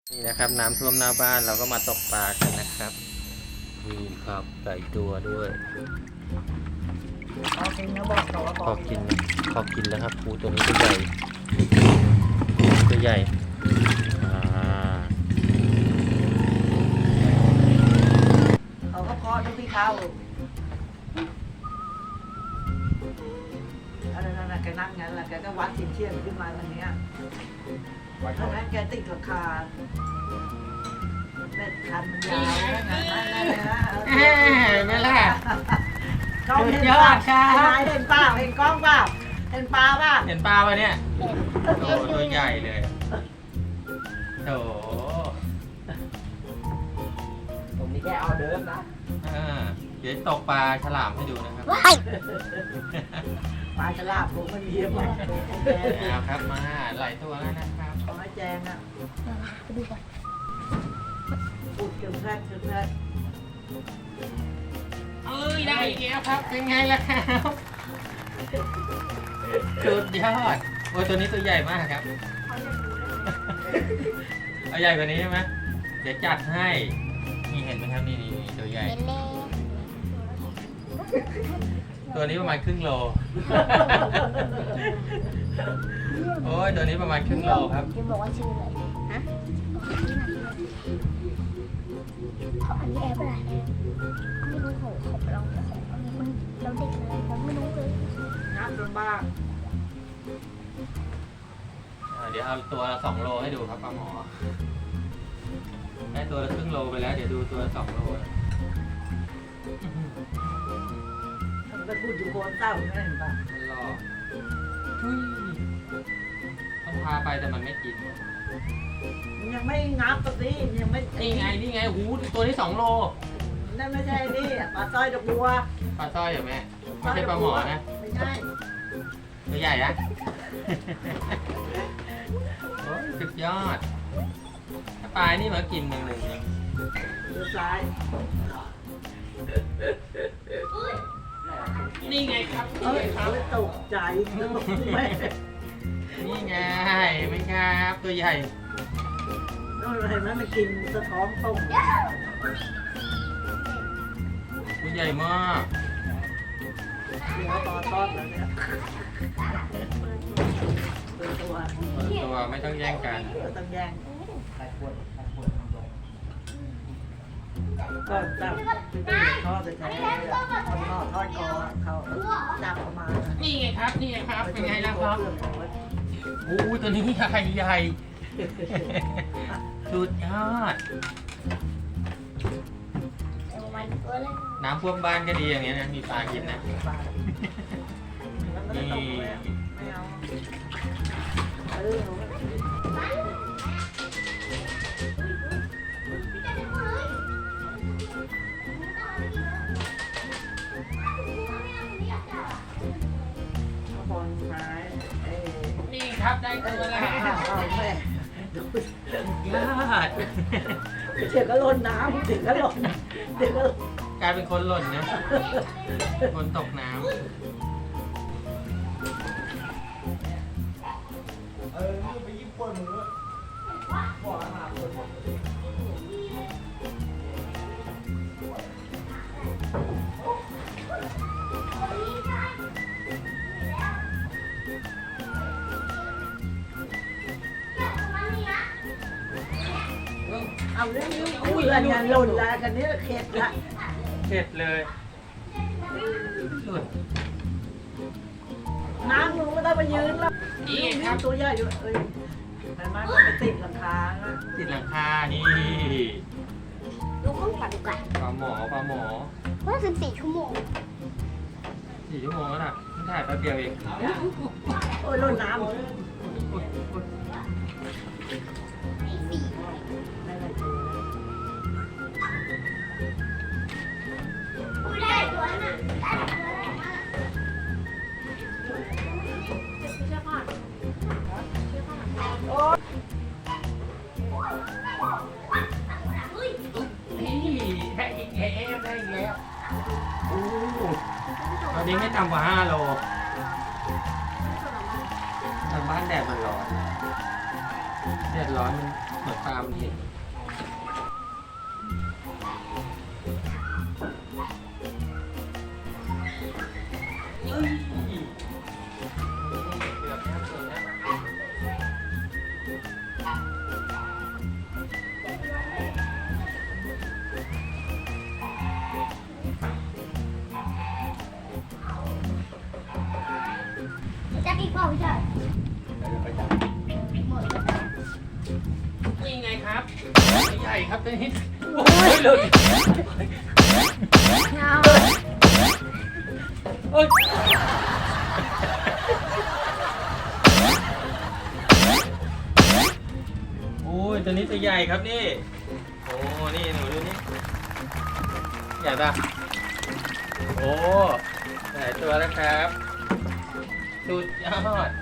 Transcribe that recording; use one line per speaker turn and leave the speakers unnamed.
นี่นะครับน้ำท่วมหน้าบ้านเราก็มาตกปลากันนะครับนี่ครับไก่ตัวด้วย
พอกินนะบอกต่อ
พอกินแล้วครับปูตัวนี้ตัวใหญ่ตัวใหญ่
เขาก็เคาะดูพี่เขาอะไรนั่นแหละแกนั่งงั้นแหละแกก็วัดสินเชื่อขึ้นมาทางเนี้ยเพราะงั้นแกติดราคาเม็ดคันมันยาวนั่น
นั่นแหละ
กล้องเห็นป่ะเห็นป่ะเห็นกล้องป่ะเห็นปลาป่ะ
เห็นปลาปะเนี่ยโอ้ตัวใหญ่เลยโถ
ผมนี่แค่เอาเดิมนะ
เดี๋ยวตกปลาฉลามให้ดูนะครับ
ปลาฉลามผมมันเยอะมาก
เอาครับมาหลายตัวแล้วนะครับ
ขอให้แจงอ่ะ
ไปดูก่อน
อุดเก็บแรกเก็บแรก
เอ้ยได้อีกแล้วครับเป็นไงล่ะครับสุดยอดโอ้ยตัวนี้ตัวใหญ่มากครับเอาใหญ่กว่านี้ใช่ไหมเดี๋ยวจัดให้นี่เห็นไหมครับนี่ตัวใหญ่
เล่นเล่น
ตัวนี้ประมาณครึ่งโลโอ้ยตัวนี้ประมาณครึ่งโลครับ
จะบอกว่าชื่ออะไรฮะเขาอันนี้แอปอะไรไม่รู้เขาไปลองของอันนี้มันเราเด็กเลยเราไม่รู้เลย
งับลำบาก
เดี๋ยวเอาตัวละ2 โลให้ดูครับป้าหมอได้ตัวละครึ่งโลไปแล้วเดี๋ยวดูตัวละ2 โล
มันไปพูดอยู่โคนเต้าไม่เห็นป่ะ
มันรอทุยต้องพาไปแต่มันไม่กิน
มันยังไม่งับตัวนี้ยังไม่
นี่ไงหูตัวนี้2 โล
นั่นไม่ใช่นี่ปลาต้อยดอกบัว
ปลาสร้อยเหรอแม่ไม่ใช่ปลาหมอนะ
ไม่ใช่
ตัวใหญ่นะโอ้ยสุดยอดถ้าปลานี่มากินหนึ่งนะ
เดือซ้าย
นี่ไงครับ
เอ้ยเขาตกใจแม่
นี่ไงไม่ครับตัวใหญ่
นู่นเห็นไหมมันกินสะท้อนต้ม
ตัวใหญ่มาก
เดี๋ยวตอนต้นแล้วเนี่ยเป็นตัว
ตัวไม่ต้องแย่งกัน
เราต้องแย่ง
ใครปวด
ก่อนจับที่ตัวทอดจะใช้คนนอกทอดคอเขาจับออกมา
นี่ไงครับนี่ไงครับเป็นไงล่ะครับโอ้ยตัวนี้ใหญ่ใหญ่สุดยอด
แต่ประมาณตัวเลย
น้ำท่วมบ้านก็ดีอย่างเงี้ยนะมีปลากินนะ
นี่ไม่เอาบอลซ้าย
นี่ครับได้ตัวแล้ว
แม่
ยอด
เดี๋ยวก็ล้นน้ำเดี๋ยวก็ล้นเดี๋ยวก็
กลายเป็นคนหล่นนะคนตกน้ำ
ไปยิ้มปวดมือบอกอาหารปวดมือ
เอาเรื่องนี้อุ้ยอันนี้หล่นแล้วกันนี้เข็ดละ
เผ็ดเลยหลุด
น้ำมึงไม่ต้องมายืนแล้ว
นี่ครับ
ตัวใหญ่อยู่เอ้ยมันมันไปติดหลังคานะ
ติดหลังคานี่
ดูข้างหลังก่อน
ปลาหมอ
ว่า14 ชั่วโมง
4 ชั่วโมงแล้วน่ะเพิ่งถ่ายแป๊บเดียวเอง
โอ้ยหล่นน้
อุ๊ยอุ๊ย
ไม่ได้ตัวน่ะ
นี่ได้อีกแล้วได้อีกแล้วโอ้ตอนนี้ไม่ต่ำกว่า5 โลทางบ้านแดดมันร้อนแดดร้อนมันหัวตามนี่เอ้ยเกือบแล้วเกือบแล้ว
จับอีกเปล่าพี่ชาย
นี่ไงครับใหญ่ครับตัวนี้โอ้ยหลุด
เอา
โอ้ยโอ้ยตัวนี้ตัวใหญ่ครับนี่โอ้นี่หนูดูนี่ใหญ่ปะโอ้หลายตัวแล้วครับสุดยอด